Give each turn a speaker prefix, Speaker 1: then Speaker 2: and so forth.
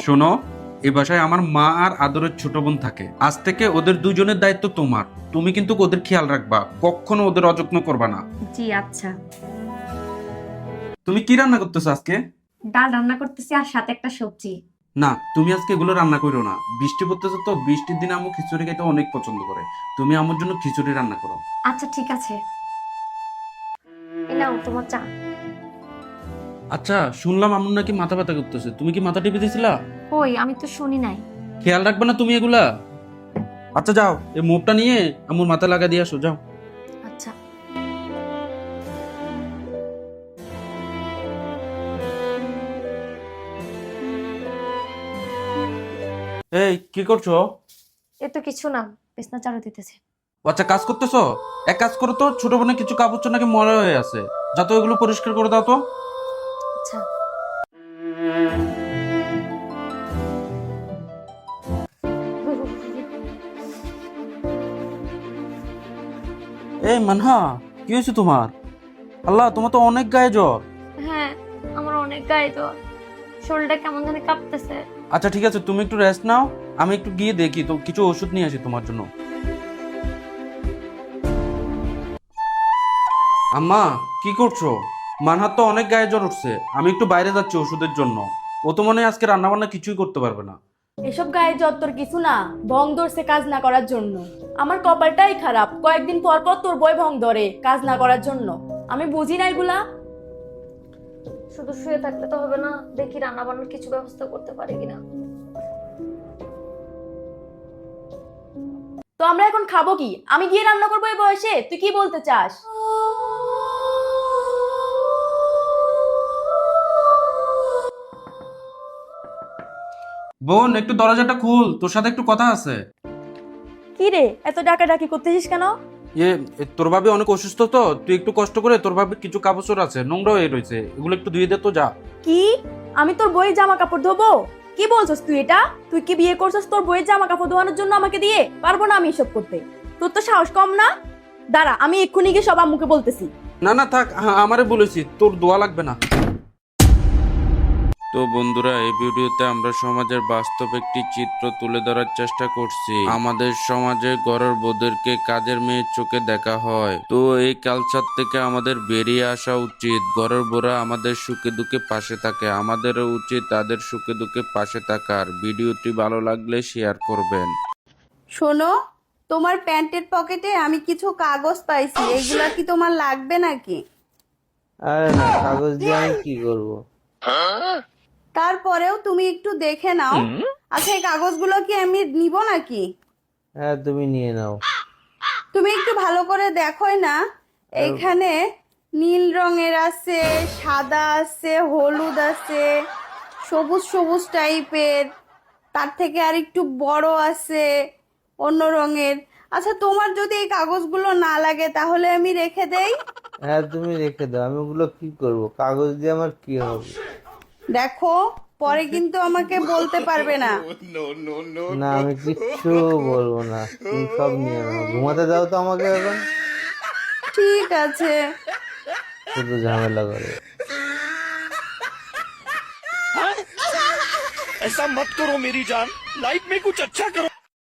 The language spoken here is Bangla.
Speaker 1: শোনো, এই বাসায় আমার মা আর আদরের ছোট বোন থাকে। আজ থেকে ওদের দুজনের দায়িত্ব তোমার। তুমি কিন্তু ওদের খেয়াল রাখবা, কখনো ওদের অযত্ন করবা না।
Speaker 2: জি আচ্ছা।
Speaker 1: তুমি কি রান্না করতেছো আজকে?
Speaker 2: ডাল রান্না করতেছি আর সাথে একটা সবজি।
Speaker 1: না, তুমি আজকে এগুলো রান্না করো না। বৃষ্টি পড়তেছে তো, বৃষ্টির দিনে আম্মু খিচুড়ি খেতে অনেক পছন্দ করে। তুমি আমার জন্য খিচুড়ি রান্না করো।
Speaker 2: আচ্ছা ঠিক আছে, এই নাও তোমার চা।
Speaker 1: আচ্ছা, শুনলাম আম্মু নাকি মাথা ব্যথা করতেছে। তুমি কি মাথা টিপে দিয়েছিলা?
Speaker 2: কই, আমি তো শুনি নাই।
Speaker 1: খেয়াল রাখবে না তুমি এগুলা? আচ্ছা যাও, এই মোপটা নিয়ে আম্মুর মাথা লাগা দিয়ে আসো, যাও।
Speaker 2: আচ্ছা।
Speaker 1: এই কি করছো?
Speaker 2: এ তো কিছু না, বিছনা ঝাড়ু দিতেছি।
Speaker 1: ও আচ্ছা, কাজ করতেছো? এক কাজ করো তো, ছোট বোনের কিছু কাপড় চোপড় নাকি ময়লা হয়ে আছে, যাতে ওইগুলো পরিষ্কার করে দাও তো।
Speaker 2: আচ্ছা।
Speaker 1: এই মানহা, কি হয়েছে তোমার? আল্লাহ, তোমার তো অনেক গায়ে জ্বর।
Speaker 2: হ্যাঁ, আমার অনেক গায়ে জ্বর, শরীরটা কেমন জানি কাঁপতেছে।
Speaker 1: আচ্ছা ঠিক আছে, তুমি একটু রেস্ট নাও, আমি একটু গিয়ে দেখি তো, কিছু ওষুধ নিয়ে আসি তোমার জন্য। আম্মা, কি করছো? মানহার তো অনেক গায়ে জ্বর উঠছে, আমি একটু বাইরে যাচ্ছি ওষুধের জন্য। ও তো মনে হয় আজকে রান্না বান্না কিছুই করতে পারবে না।
Speaker 3: এসব গায়ে জ্বর তোর কিছু না, ভং ধরছে কাজ না করার জন্য। আমার কপালটাই খারাপ, কয়েকদিন পর পর তোর বই ভং ধরে কাজ না করার জন্য। আমি বুঝি না এগুলা।
Speaker 2: শুধু শুয়ে থাকলে তো হবে না, দেখি রান্না বান্নার কিছু ব্যবস্থা করতে পারি কিনা।
Speaker 3: তো আমরা এখন খাবো কি? আমি গিয়ে রান্না করবো এই বয়সে? তুই কি বলতে চাস?
Speaker 1: বোন, একটু দরজাটা খুল, তোর সাথে একটু কথা আছে।
Speaker 3: কি রে, এত ডাকাডাকি করতেছিস কেন?
Speaker 1: এ তোর ভাবি অনেক অসুস্থ তো, তুই একটু কষ্ট করে, তোর ভাবির কিছু কাপড় চোপড় আছে নোংরা হয়ে রয়েছে, এগুলো একটু ধুয়ে দে তো, যা।
Speaker 3: কি? আমি তোর বইয়ের জামা কাপড় ধোবো? কি বলছস তুই এটা? তুই কি বিয়ে করছস তোর বইয়ের জামা কাপড় ধোয়ানোর জন্য আমাকে দিয়ে? পারবো না আমি এসব করতে। তোর তো সাহস কম না? দাঁড়া, আমি এক্ষুনি গিয়ে সব আম্মুকে বলতেছি।
Speaker 1: না না থাক, আমারে বলেছি, তোর দোয়া লাগবে না। তো বন্ধুরা, এই ভিডিওতে আমরা সমাজের বাস্তব একটি চিত্র তুলে ধরার চেষ্টা করছি। আমাদের সমাজে ঘরের বউদেরকে কাজের মেয়ের চোখে দেখা হয়। তো এই কালচার থেকে আমাদের বেরিয়ে আসা উচিত। ঘরের বউরা আমাদের সুখে দুঃখে পাশে থাকে, আমাদেরও উচিত তাদের সুখে দুঃখে পাশে থাকার। ভিডিওটি ভালো লাগলে শেয়ার করবেন।
Speaker 4: শোনো, তোমার প্যান্টের পকেটে আমি কিছু কাগজ পাইছি, এগুলা কি তোমার লাগবে নাকি?
Speaker 5: আরে না, কাগজ দিয়ে আমি কি করব?
Speaker 4: তারপরেও তুমি একটু দেখে নাও। আচ্ছা, এই কাগজগুলো কি আমি নিব নাকি?
Speaker 5: হ্যাঁ, তুমি নিয়ে নাও।
Speaker 4: তুমি একটু ভালো করে দেখোই না, এইখানে নীল রঙের আছে, সাদা আছে, হলুদ আছে, সবুজ সবুজ টাইপের, তার থেকে আর একটু বড় আছে অন্য রঙের। আচ্ছা, তোমার যদি এই কাগজগুলো না লাগে তাহলে আমি রেখে দেই।
Speaker 5: হ্যাঁ, তুমি রেখে দাও, আমি ওগুলো কি করব? কাগজ দিয়ে আমার কি হবে?
Speaker 4: দেখো, পরে কিন্তু আমাকে বলতে পারবে না।
Speaker 5: না, আমি কিচ্ছু বলবো না, তুমি সব নিয়ে নাও। ঘুমাতে দাও তো আমাকে এখন।
Speaker 4: ঠিক আছে।
Speaker 5: শুধু ঝামেলা করে।
Speaker 6: ऐसा मत करो मेरी जान, लाइफ में कुछ अच्छा करो।